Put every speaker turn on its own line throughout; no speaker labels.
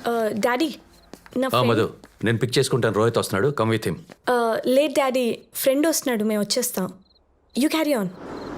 Daddy నా
మధు నేను pick చేసుకుంటాను. రోహిత్ వస్తున్నాడు, come with him.
Late daddy, friend వస్తున్నాడు, మేము వచ్చేస్తాం. You carry on.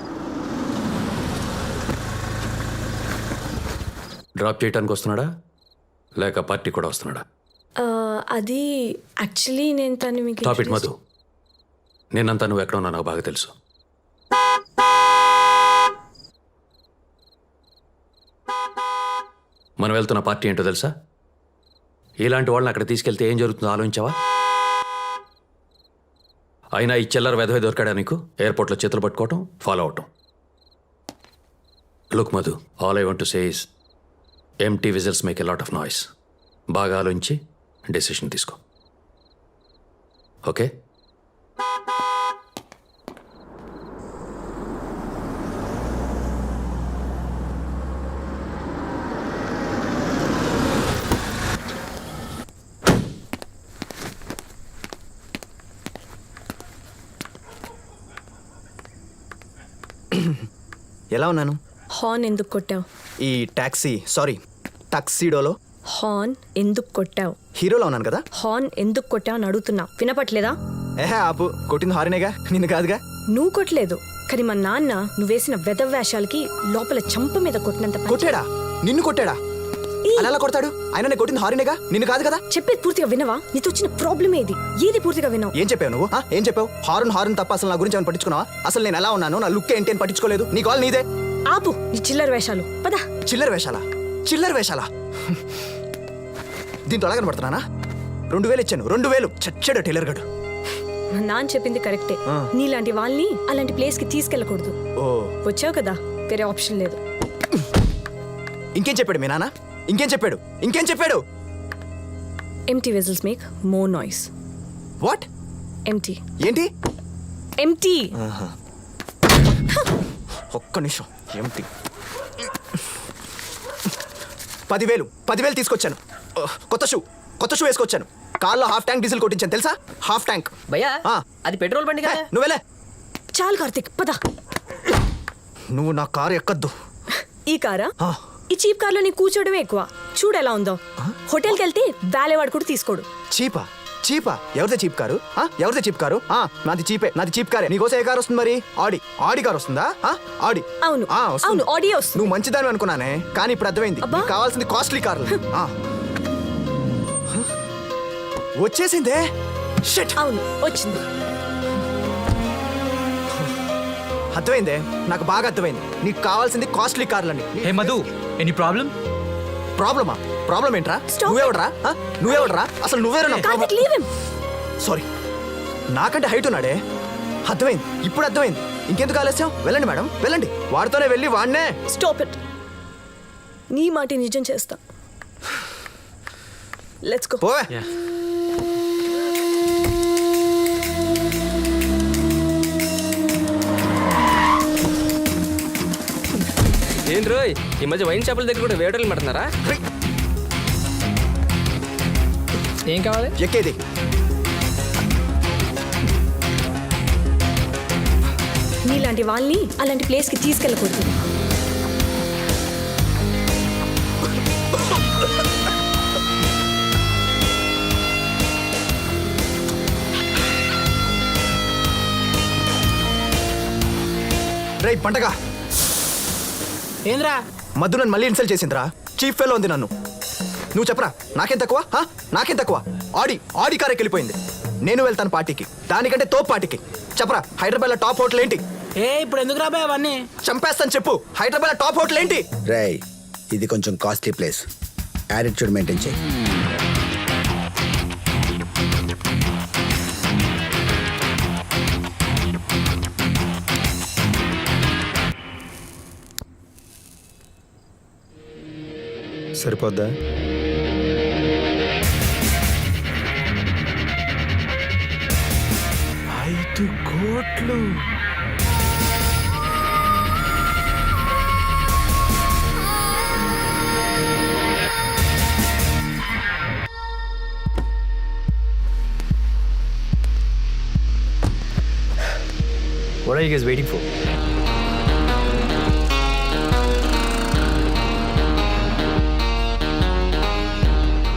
డ్రాప్ చేయడానికి వస్తున్నాడా లేక పార్టీ కూడా వస్తున్నాడా?
అది యాక్చువల్లీ నేను తను మీకు
టాప్ ఇట్ మధు. నేనంతా నువ్వు ఎక్కడ ఉన్నా నాకు బాగా తెలుసు. మనం వెళ్తున్న పార్టీ ఏంటో తెలుసా? ఇలాంటి వాళ్ళని అక్కడ తీసుకెళ్తే ఏం జరుగుతుందో ఆలోచించావా? అయినా ఈ చిల్లర వెధవే దొరికాడా నీకు? ఎయిర్పోర్ట్లో చేతులు పట్టుకోవటం, ఫాలో అవటం. Look Madhu, all I want to say is empty vessels make a lot of noise. బాగా ఆలోచించి డెసిషన్ తీసుకో. ఓకే?
ఎలా ఉన్నాను?
హార్న్ ఎందుకు కొట్టావు?
ఈ టాక్సీడోలో
హార్న్ ఎందుకు కొట్టావు?
హీరోలో ఉన్నాను కదా.
హార్న్ ఎందుకు కొట్టావు అని అడుగుతున్నా, వినపట్లేదా?
ఆపు, కొట్టింది హారినేగా, నిన్ను కాదుగా.
నువ్వు కొట్టలేదు, కానీ మా నాన్న నువ్వు వేసిన వెధవ్యాషాలకి లోపల చంప మీద కొట్టినంత పని
కొట్టాడా? నిన్ను కొట్టాడా? అలా ఎలా కొడతాడు? ఆయన నేను కొట్టింది హారినేగా, నిన్ను కాదు కదా.
చెప్పేది పూర్తిగా వినవా? నీతో వచ్చిన ప్రాబ్లం ఏది పూర్తిగా వినవు?
ఏం చెప్పావు నువ్వు? ఏం చెప్పావు? హారన్ తప్ప అసలు నా గురించి ఏమైనా పట్టించుకున్నావా? అసలు నేను ఎలా ఉన్నాను, నా లుక్ ఏంటి అని పట్టించుకోలేదు. నీ కాల్ నీదే.
ఆపు నీ చిల్లర వేషాలు, పద.
చిల్లర వేషాలా? దీంతో అలాగని పడుతున్నానా? 2000 ఇచ్చాను, 2000. చచ్చాడు టైలర్ గడు.
మా నాన్న చెప్పింది కరెక్టే. నీలాంటి వాళ్ళని అలాంటి ప్లేస్ కి తీసుకెళ్ళకూడదు. వచ్చావు కదా, వేరే ఆప్షన్ లేదు.
ఇంకేం చెప్పాడు మీ నాన్న? ఇంకేం చెప్పాడు?
Empty vessels make more noise.
What?
Empty.
ఏంటి?
ఎంటీ.
ఒక్క నిమిషం. ఎంటీ. 10,000 తీసుకొచ్చాను. కొత్త షూ వేసుకొచ్చాను. కార్లో హాఫ్ ట్యాంక్ డీజిల్ కొట్టించాను తెలుసా? Half tank.
భయ్యా, అది పెట్రోల్ బండి కదా.
నువ్వెలే.
చాలు కార్తిక్, పద.
నువ్వు నా కారు ఎక్కద్దు.
ఈ కారా? ఈ చీప్ కార్లో నీ కూర్చోవడమే ఎక్కువ. చూడు ఎలా ఉందో. హోటల్కి వెళ్తే వాలేవాడు కూడా తీసుకోడు.
చీపా? ఎవరిదే చీప్ కారు? నాది చీప్ కారే. నీకోసం ఏ కారు వస్తుంది మరి? ఆడి కారు వస్తుందా? ఆడి.
అవును, ఆడి వస్తుంది.
నువ్వు మంచిదాని అనుకున్నానే, కానీ ఇప్పుడు అర్థమైంది. కావాల్సింది కాస్ట్లీ కార్లు. వచ్చేసిందే.
అవును, వచ్చింది.
అర్థమైందే, నాకు బాగా అర్థమైంది. నీకు కావాల్సింది కాస్ట్లీ కార్లని.
Hey Madhu, any problem?
Problem ఏంట్రా? నువ్వెవడరా? అసలు నువ్వేరా? సారీ, నాకంటే హైట్ ఉన్నాడే. అర్థమైంది, ఇప్పుడు అర్థమైంది. ఇంకెందుకు ఆలస్యం? వెళ్ళండి మేడం, వెళ్ళండి. వాడితోనే వెళ్ళి వాడినే.
Stop it. నీ మాట నిజం చేస్తా. Let's go.
పోవే.
ఏం రోయ్, ఈ మధ్య వైన్ షాపుల దగ్గర కూడా వేటర్లు పడుతున్నారా? ఏం కావాలి?
ఎక్కేది.
నీలాంటి వాళ్ళని అలాంటి ప్లేస్కి తీసుకెళ్ళకూడదు.
రేయ్ పంటగా,
ఏంద్రా?
మధు నన్ను మళ్ళీ ఇన్సల్ట్ చేసిందిరా. చీఫ్ ఫెలో ఉంది నన్ను. నువ్వు చెప్పరా, నాకేం తక్కువ? ఆడి కార్ వెళ్ళిపోయింది. నేను వెళ్తాను పార్టీకి, దానికంటే తోపు పార్టీకి. చెప్పరా, హైదరాబాద్ లో టాప్ హోటల్ ఏంటి?
ఇప్పుడు ఎందుకు రాబాయ్ అవన్నీ?
చంపేస్తాను చెప్పు. హైదరాబాద్ లో టాప్ హోటల్ ఏంటి?
రేయ్, ఇది కొంచెం కాస్ట్లీ ప్లేస్. యాటిట్యూడ్ మెయింటైన్ చేయి.
సరిపోద్దా? కోట్లు.
What are you guys waiting for?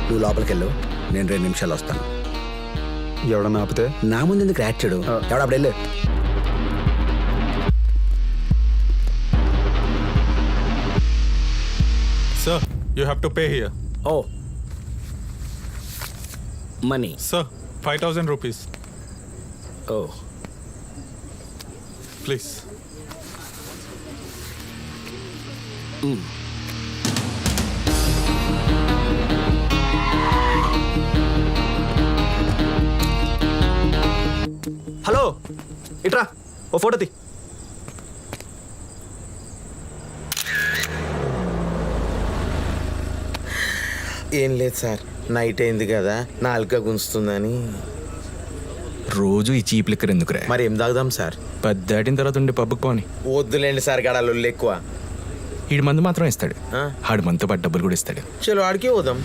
నువ్వు లోపలికి వెళ్ళు, నేను 2 నిమిషాలు వస్తాను.
ఎవడన్నా ఆపితే
నా ముందు ఎందుకు రాచాడు? ఎవడప్పుడు వెళ్ళు.
Sir, you have to pay here.
Oh. Money.
Sir, 5,000 rupees.
Oh.
Please.
Hello, ఇట్రా, ఓ ఫోటో తీ.
ఏం లేదు సార్, నైట్ అయింది కదా, నాలుక గుంజుతుందని.
రోజు ఈ చీప్ లిక్కర్ ఎందుకురా?
మరి ఏం తాగుదాం సార్?
10 దాటిన తర్వాత ఉండే పబ్బుకి పోని.
వద్దులేండి సార్, గడాలు ఎక్కువ.
ఈడు మందు మాత్రం ఇస్తాడు,
ఆ?
ఆడు మనతో పాటు డబ్బులు కూడా ఇస్తాడు.
చలో ఆడికి పోదాం.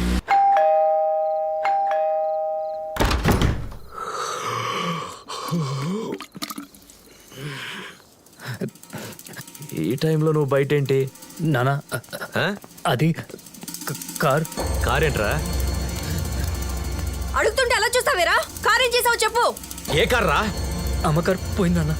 ఈ టైంలో నువ్వు బయట ఏంటి?
నానా అది కార్.
కార్ ఏంట్రా?
అడుగుతుంటే అలా చూస్తావేరా? కారేం చేసావు చెప్పు.
ఏ కార్ రా?
అమ్మ కార్ పోయింది నాన్న.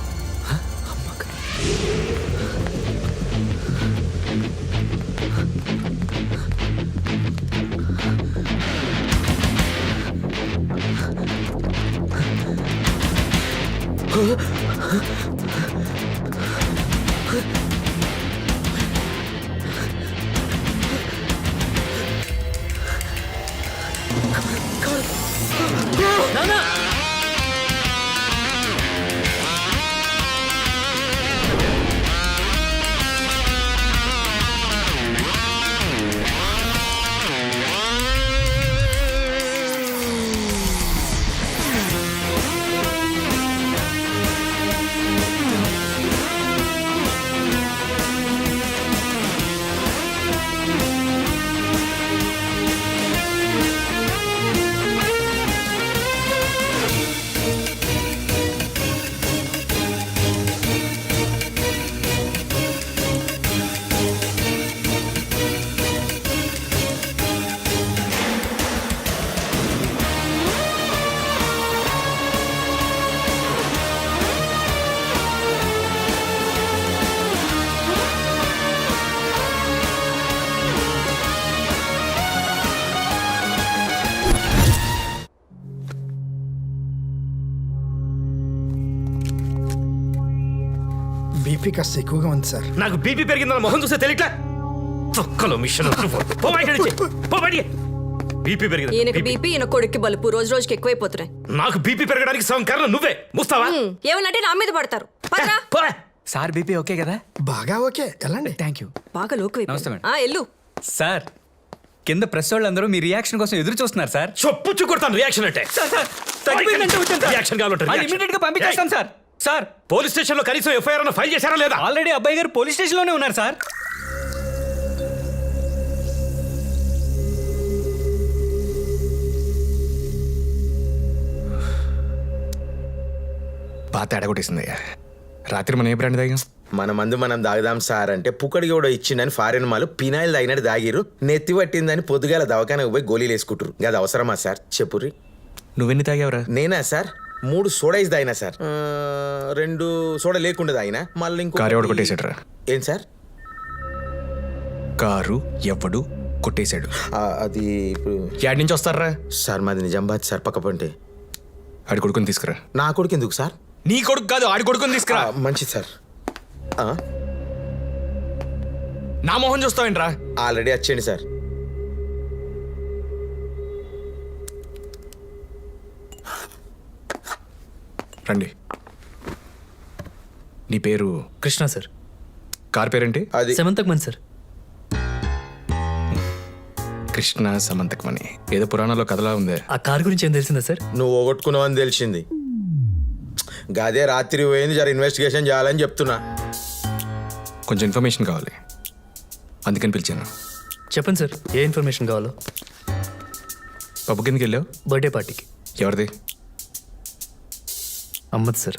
బీపీ కాస్త ఎక్కువగా ఉంది సార్.
నాకు బీపీ పెరిగిందని మొహం చూస్తే తెలియట్లా. తొక్కలో మిషన్ బీపీ పెరిగింది.
ఈయనకి బీపీ, ఈయన కొడుక్కి బలుపు రోజు రోజుకి ఎక్కువైపోతున్నాయి.
నాకు బీపీ పెరగడానికి సగం కారణం నువ్వే. ముస్తావా?
ఏమనంటే నా మీద పడతారు. పదరా.
సార్ బీపీ ఓకే కదా?
బాగా ఓకే, వెళ్ళండి.
Thank you.
బాగా లోకు
నమస్తే మేడం.
ఎల్లు.
సార్ కింద ప్రెస్ వాళ్ళందరూ మీ రియాక్షన్ కోసం ఎదురు చూస్తున్నారు సార్.
చొప్పుచ్చు కొడతాను రియాక్షన్ అంటే. రియాక్షన్ కావాలంటే
ఇమీడియట్ గా పంపించేస్తాం సార్. సార్
పోలీస్ స్టేషన్ లో కనీసం ఎఫ్ఐఆర్ అన్న ఫైల్ చేశారా లేదా?
ఆల్రెడీ అబ్బాయి గారు పోలీస్ స్టేషన్ లోనే ఉన్నారు సార్.
బాగా తేడా కొట్టేసిందయ్యా. రాత్రి మనం ఏ బ్రాండ్ తాగాం?
మన మందు మనం దాగుదాం సార్ అంటే పుక్కడికి కూడా ఇచ్చిందని ఫారెన్ మాలు పినాయిల్ తాగినట్టు దాగిరు. నెత్తి పట్టిందని పొద్దుగాల దవాఖానకు పోయి గోళీలు వేసుకుంటారు. అది అవసరమా సార్ చెప్పుర్రి?
నువ్వెన్ని తాగావురా?
నేనా సార్ 3 సోడాయిస్ తాగినా సార్. 2 సోడా లేకుండా తాగినా. మళ్ళీ ఇంకో
కారు ఎవడు కొట్టేశాడురా?
ఏం సార్?
కారు ఎవడు కొట్టేశాడు?
అది ఇప్పుడు
యాడ్ నుంచి వస్తారా
సార్? మాది నిజామాబాద్ సార్, పక్క పంటే.
ఆడి కొడుకుని తీసుకురా.
నా కొడుకు ఎందుకు సార్?
నీ కొడుకు కాదు, ఆడి కొడుకుని తీసుకురా.
మంచిది సార్.
నా మొహం చూస్తావేంట్రా?
ఆల్రెడీ వచ్చేయండి సార్.
రండి. నీ పేరు?
కృష్ణ సార్.
కార్ పేరేంటి?
అది
సెమంతక్ సార్.
కృష్ణ సమంతకమని ఏదో పురాణంలో కథలా ఉంది.
ఆ కార్ గురించి ఏం తెలిసిందా సార్?
నువ్వు పోగొట్టుకున్నావని తెలిసింది. గదే రాత్రి పోయింది, జర ఇన్వెస్టిగేషన్ చేయాలని చెప్తున్నా.
కొంచెం ఇన్ఫర్మేషన్ కావాలి, అందుకని పిలిచాను.
చెప్పండి సార్, ఏ ఇన్ఫర్మేషన్ కావాలో.
పబ్బు కిందకి వెళ్ళావు?
బర్త్డే పార్టీకి.
ఎవరిది?
అమ్మద్ సార్.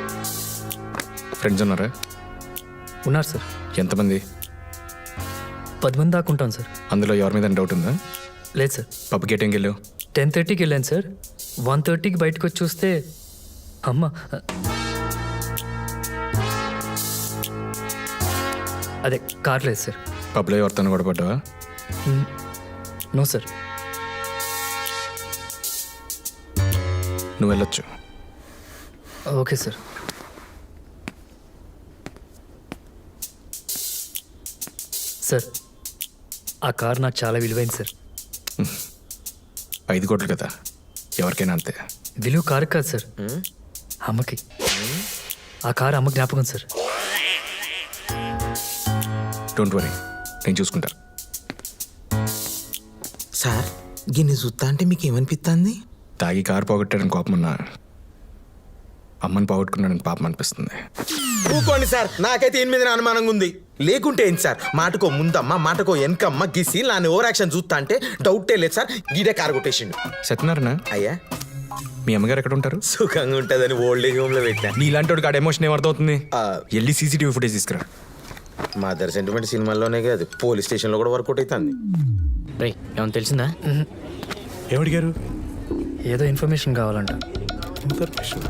ఫ్రెండ్స్ ఉన్నారా?
ఉన్నారు సార్.
ఎంతమంది?
10 మంది దాకా ఉంటాం సార్.
అందులో ఎవరి మీద డౌట్ ఉందా?
లేదు సార్.
పబ్ గేటింగ్ వెళ్ళు.
10:30కి వెళ్ళాను సార్. 1:30కి బయటకు వచ్చి చూస్తే అమ్మ అదే కార్ లేదు సార్.
పబ్లో ఎవరితో కూడా పడ్డావా?
No sir.
నువ్వు వెళ్ళొచ్చు.
Okay sir. సార్ ఆ కార్ నాకు చాలా విలువైంది సార్.
5 కోట్లు కదా, ఎవరికైనా అంతే.
విలువ కారు కాదు సార్, అమ్మకి. ఆ కారు అమ్మ జ్ఞాపకం సార్.
డోంట్ వరీ, నేను చూసుకుంటా.
సార్ గిన్నె చూస్తా అంటే మీకు ఏమనిపిస్తుంది?
తాగి కారు పోగొట్టాడని కోపం ఉన్నా అమ్మని పోగొట్టుకున్నాడని పాపం అనిపిస్తుంది.
ఊకోండి సార్, నాకైతే ఈయన మీద అనుమానంగా ఉంది. లేకుంటే ఏంటి సార్, మాటకో ముందమ్మ మాటకో వెనకమ్మ గిసి నాని ఓవర్ యాక్షన్ చూస్తా అంటే డౌటే లేదు సార్. గీడే కారు కొట్టేసిండు.
సత్యనారాయణ,
అయ్యా
మీ అమ్మగారు ఎక్కడ ఉంటారు?
సుఖంగా ఉంటుందని ఓల్డ్ ఏజ్ హోమ్ లో పెట్టినా.
నీలాంటి వాడికి ఆడ ఎమోషన్ ఏమర్థమవుతుంది?
ఆ.
వెళ్ళి సీసీటీవీ ఫుటేజ్ తీసుకురా.
మదర్ సెంటిమెంట్ సినిమాల్లోనే కాదు, పోలీస్ స్టేషన్ లో కూడా వర్కౌట్ అవుతుంది.
రేయ్ ఏమన్నా తెలిసిందా?
ఏదో ఇన్ఫర్మేషన్ కావాలంట.